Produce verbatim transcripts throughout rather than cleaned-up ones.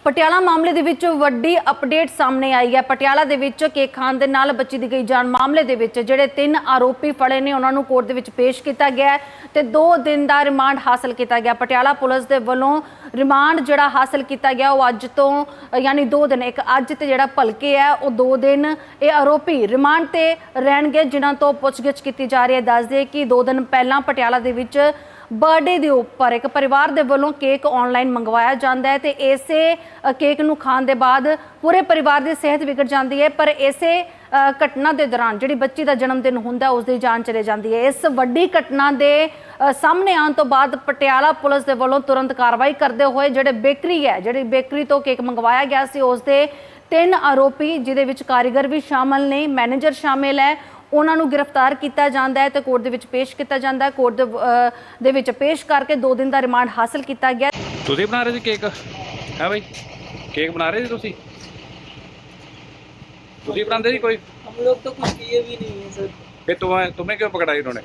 ਪਟਿਆਲਾ ਮਾਮਲੇ ਦੇ ਵਿੱਚ ਵੱਡੀ ਅਪਡੇਟ ਸਾਹਮਣੇ ਆਈ ਹੈ। ਪਟਿਆਲਾ ਦੇ ਵਿੱਚ ਕੇਕ ਖਾਣ ਦੇ ਨਾਲ ਬੱਚੀ ਦੀ ਗਈ ਜਾਨ ਮਾਮਲੇ ਦੇ ਵਿੱਚ ਜਿਹੜੇ ਤਿੰਨ ਆਰੋਪੀ ਫੜੇ ਨੇ ਉਹਨਾਂ ਨੂੰ ਕੋਰਟ ਦੇ ਵਿੱਚ ਪੇਸ਼ ਕੀਤਾ ਗਿਆ ਤੇ ਦੋ ਦਿਨ ਦਾ ਰਿਮਾਂਡ ਹਾਸਲ ਕੀਤਾ ਗਿਆ। ਪਟਿਆਲਾ ਪੁਲਿਸ ਦੇ ਵੱਲੋਂ ਰਿਮਾਂਡ ਜਿਹੜਾ ਹਾਸਲ ਕੀਤਾ ਗਿਆ ਉਹ ਅੱਜ ਤੋਂ ਯਾਨੀ ਦੋ ਦਿਨ ਇੱਕ ਅੱਜ ਤੇ ਜਿਹੜਾ ਭਲਕੇ ਹੈ ਉਹ ਦੋ ਦਿਨ ਇਹ ਆਰੋਪੀ ਰਿਮਾਂਡ ਤੇ ਰਹਿਣਗੇ, ਜਿਨ੍ਹਾਂ ਤੋਂ ਪੁੱਛਗਿੱਛ ਕੀਤੀ ਜਾ ਰਹੀ ਹੈ। ਦੱਸ ਦੇ ਕਿ ਦੋ ਦਿਨ ਪਹਿਲਾਂ ਪਟਿਆਲਾ ਦੇ ਵਿੱਚ ਬਰਥਡੇ ਦੇ ਉੱਪਰ ਇੱਕ ਪਰਿਵਾਰ ਦੇ ਵੱਲੋਂ ਕੇਕ ਆਨਲਾਈਨ ਮੰਗਵਾਇਆ ਜਾਂਦਾ ਹੈ ਤੇ ਇਸੇ ਕੇਕ ਨੂੰ ਖਾਣ ਦੇ ਬਾਅਦ ਪੂਰੇ ਪਰਿਵਾਰ ਦੀ ਸਿਹਤ ਵਿਗੜ ਜਾਂਦੀ ਹੈ। ਪਰ ਇਸੇ ਘਟਨਾ ਦੇ ਦੌਰਾਨ ਜਿਹੜੀ ਬੱਚੀ ਦਾ ਜਨਮ ਦਿਨ ਹੁੰਦਾ ਉਸ ਦੀ ਜਾਨ ਚਲੇ ਜਾਂਦੀ ਹੈ। ਇਸ ਵੱਡੀ ਘਟਨਾ ਦੇ ਸਾਹਮਣੇ ਆਉਣ ਤੋਂ ਬਾਅਦ ਪਟਿਆਲਾ ਪੁਲਿਸ ਦੇ ਵੱਲੋਂ ਤੁਰੰਤ ਕਾਰਵਾਈ ਕਰਦੇ ਹੋਏ ਜਿਹੜੇ ਬੇਕਰੀ ਹੈ ਜਿਹੜੀ ਬੇਕਰੀ ਤੋਂ ਕੇਕ ਮੰਗਵਾਇਆ ਗਿਆ ਸੀ ਉਸ ਦੇ ਤਿੰਨ ਆਰੋਪੀ ਜਿਹਦੇ ਵਿੱਚ ਕਾਰੀਗਰ ਵੀ ਸ਼ਾਮਲ ਨੇ, ਮੈਨੇਜਰ ਸ਼ਾਮਿਲ ਹੈ, ਉਹਨਾਂ ਨੂੰ ਗ੍ਰਿਫਤਾਰ ਕੀਤਾ ਜਾਂਦਾ ਹੈ ਤੇ ਕੋਰਟ ਦੇ ਵਿੱਚ ਪੇਸ਼ ਕੀਤਾ ਜਾਂਦਾ ਹੈ। ਕੋਰਟ ਦੇ ਵਿੱਚ ਪੇਸ਼ ਕਰਕੇ ਦੋ ਦਿਨ ਦਾ ਰਿਮਾਂਡ ਹਾਸਲ ਕੀਤਾ ਗਿਆ। ਤੁਸੀਂ ਬਣਾ ਰਹੇ ਸੀ ਕੇਕ? ਹੈ भाई केक बना रहे थे ਤੁਸੀਂ ਤੁਸੀਂ बनाते थे कोई? हम लोग तो कुछ किए भी नहीं है सर। फिर तुम्हें तुम्हें क्यों पकड़ा इन्होंने?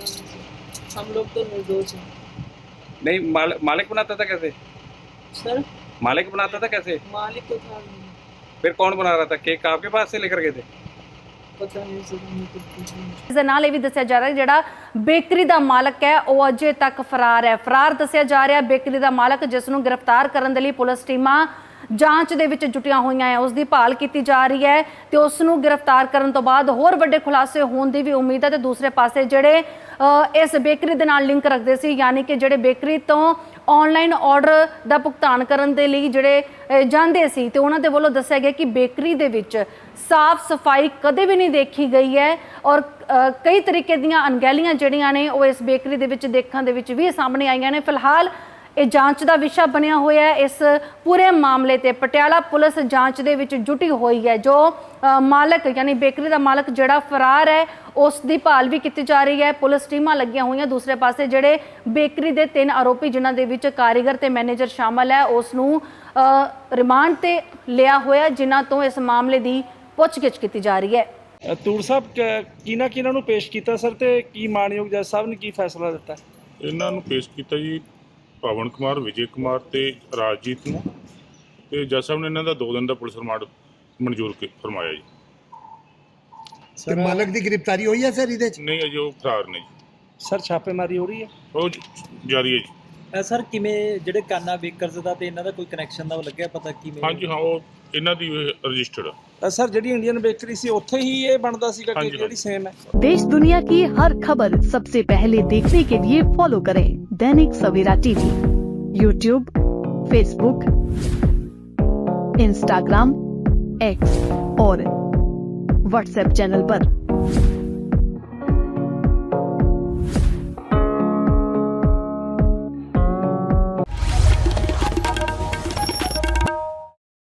हम लोग तो निर्दोष हैं। नहीं माल, मालिक बनाता था कैसे? सर मालिक बनाता था कैसे? मालिक तो था नहीं। फिर कौन बना रहा था केक? आपके पास से लेकर गए थे? पता नहीं सर। ਇਸ ਦੇ ਨਾਲ ਇਹ ਵੀ ਦੱਸਿਆ ਜਾ ਰਿਹਾ ਹੈ ਜਿਹੜਾ ਬੇਕਰੀ ਦਾ ਮਾਲਕ ਹੈ ਉਹ ਅਜੇ ਤੱਕ ਫਰਾਰ ਹੈ। ਫਰਾਰ ਦੱਸਿਆ ਜਾ ਰਿਹਾ ਬੇਕਰੀ ਦਾ ਮਾਲਕ, ਜਿਸ ਨੂੰ ਗ੍ਰਿਫਤਾਰ ਕਰਨ ਦੇ ਲਈ ਪੁਲਿਸ ਟੀਮਾਂ ਜਾਂਚ ਦੇ ਵਿੱਚ ਜੁਟੀਆਂ ਹੋਈਆਂ ਹੈ। ਉਸ ਦੀ ਭਾਲ ਕੀਤੀ ਜਾ ਰਹੀ ਹੈ ਤੇ ਉਸ ਨੂੰ ਗ੍ਰਿਫਤਾਰ ਕਰਨ ਤੋਂ ਬਾਅਦ ਹੋਰ ਵੱਡੇ ਖੁਲਾਸੇ ਹੋਣ ਦੀ ਵੀ ਉਮੀਦ ਹੈ। ਤੇ ਦੂਸਰੇ ਪਾਸੇ ਜਿਹੜੇ ਇਸ ਬੇਕਰੀ ਦੇ ਨਾਲ ਲਿੰਕ ਰੱਖਦੇ ਸੀ, ਯਾਨੀ ਕਿ ਜਿਹੜੇ ਬੇਕਰੀ ਤੋਂ ਆਨਲਾਈਨ ਆਰਡਰ ਦਾ ਭੁਗਤਾਨ ਕਰਨ ਦੇ ਲਈ ਜਿਹੜੇ ਜਾਂਦੇ ਸੀ ਤੇ ਉਹਨਾਂ ਦੇ ਵੱਲੋਂ ਦੱਸਿਆ ਗਿਆ ਕਿ ਬੇਕਰੀ ਦੇ ਵਿੱਚ ਸਾਫ਼ ਸਫਾਈ ਕਦੇ ਵੀ ਨਹੀਂ ਦੇਖੀ ਗਈ ਹੈ ਔਰ ਕਈ ਤਰੀਕੇ ਦੀਆਂ ਅਣਗਹਿਲੀਆਂ ਜਿਹੜੀਆਂ ਨੇ ਉਹ ਇਸ ਬੇਕਰੀ ਦੇ ਵਿੱਚ ਦੇਖਣ ਦੇ ਵਿੱਚ ਵੀ ਸਾਹਮਣੇ ਆਈਆਂ ਨੇ। ਫਿਲਹਾਲ ਇਹ ਜਾਂਚ ਦਾ ਵਿਸ਼ਾ ਬਣਿਆ ਹੋਇਆ ਹੈ। ਇਸ ਪੂਰੇ ਮਾਮਲੇ ਤੇ ਪਟਿਆਲਾ ਪੁਲਿਸ ਜਾਂਚ ਦੇ ਵਿੱਚ ਜੁਟੀ ਹੋਈ ਹੈ। ਜੋ ਮਾਲਕ ਯਾਨੀ ਬੇਕਰੀ ਦਾ ਮਾਲਕ ਜਿਹੜਾ ਫਰਾਰ ਹੈ ਉਸ ਦੀ ਭਾਲ ਵੀ ਕੀਤੀ ਜਾ ਰਹੀ ਹੈ। ਪੁਲਿਸ ਟੀਮਾਂ ਲੱਗੀਆਂ ਹੋਈਆਂ। ਦੂਸਰੇ ਪਾਸੇ ਜਿਹੜੇ ਬੇਕਰੀ ਦੇ ਤਿੰਨ ਆਰੋਪੀ ਜਿਨ੍ਹਾਂ ਦੇ ਵਿੱਚ ਕਾਰੀਗਰ ਤੇ ਮੈਨੇਜਰ ਸ਼ਾਮਲ ਹੈ ਉਸ ਨੂੰ ਰਿਮਾਂਡ ਤੇ ਲਿਆ ਹੋਇਆ, ਜਿਨ੍ਹਾਂ ਤੋਂ ਇਸ ਮਾਮਲੇ ਦੀ ਪੁੱਛਗਿੱਛ ਕੀਤੀ ਜਾ ਰਹੀ ਹੈ। ਤੂਰ ਸਾਹਿਬ ਕਿਹਨਾਂ ਕਿਹਨਾਂ ਨੂੰ ਪੇਸ਼ ਕੀਤਾ ਸਰ ਤੇ ਕੀ ਮਾਨਯੋਗ ਜੱਜ ਸਾਹਿਬ ਨੇ ਕੀ ਫੈਸਲਾ ਦਿੱਤਾ? ਇਹਨਾਂ ਨੂੰ ਪੇਸ਼ ਕੀਤਾ ਜੀ ਪਵਨ ਕੁਮਾਰ, ਵਿਜੇ ਕੁਮਾਰ ਤੇ ਰਾਜਜੀਤ ਨੂੰ, ਤੇ ਜੱਜ ਸਾਹਿਬ ਨੇ ਇਹਨਾਂ ਦਾ ਦੋ ਦਿਨ ਦਾ ਪੁਲਿਸ ਰਿਮਾਂਡ ਮਨਜ਼ੂਰ ਫਰਮਾਇਆ ਜੀ। ਸਰ ਮਾਲਕ ਦੀ ਗ੍ਰਿਫਤਾਰੀ ਹੋਈ ਹੈ ਸਰ ਇਹਦੇ ਚ? ਨਹੀਂ ਅਜੇ ਉਹ ਫਰਾਰ ਨੇ ਜੀ। ਸਰ ਛਾਪੇਮਾਰੀ ਹੋ ਰਹੀ ਹੈ? ਉਹ ਜਾਰੀ ਹੈ ਜੀ। ਸਰ ਕਿਵੇਂ ਜਿਹੜੇ ਕਾਨਾ ਬੇਕਰਸ ਦਾ ਤੇ ਇਹਨਾਂ ਦਾ ਕੋਈ ਕਨੈਕਸ਼ਨ ਦਾ ਲੱਗਿਆ ਪਤਾ ਕਿਵੇਂ? ਹਾਂਜੀ ਹਾਂ, ਉਹ ਇਹਨਾਂ ਦੀ ਰਜਿਸਟਰਡ ਆ। ਸਰ ਜਿਹੜੀ ਇੰਡੀਅਨ ਬੇਕਰੀ ਸੀ ਉੱਥੇ ਹੀ ਇਹ ਬਣਦਾ ਸੀਗਾ ਕਿ ਜਿਹੜੀ ਸੇਮ ਹੈ? देश दुनिया की हर खबर सबसे पहले देखने के लिए फॉलो करें Dainik Savera TV, YouTube, Facebook, Instagram, X और व्हाट्सएप चैनल पर।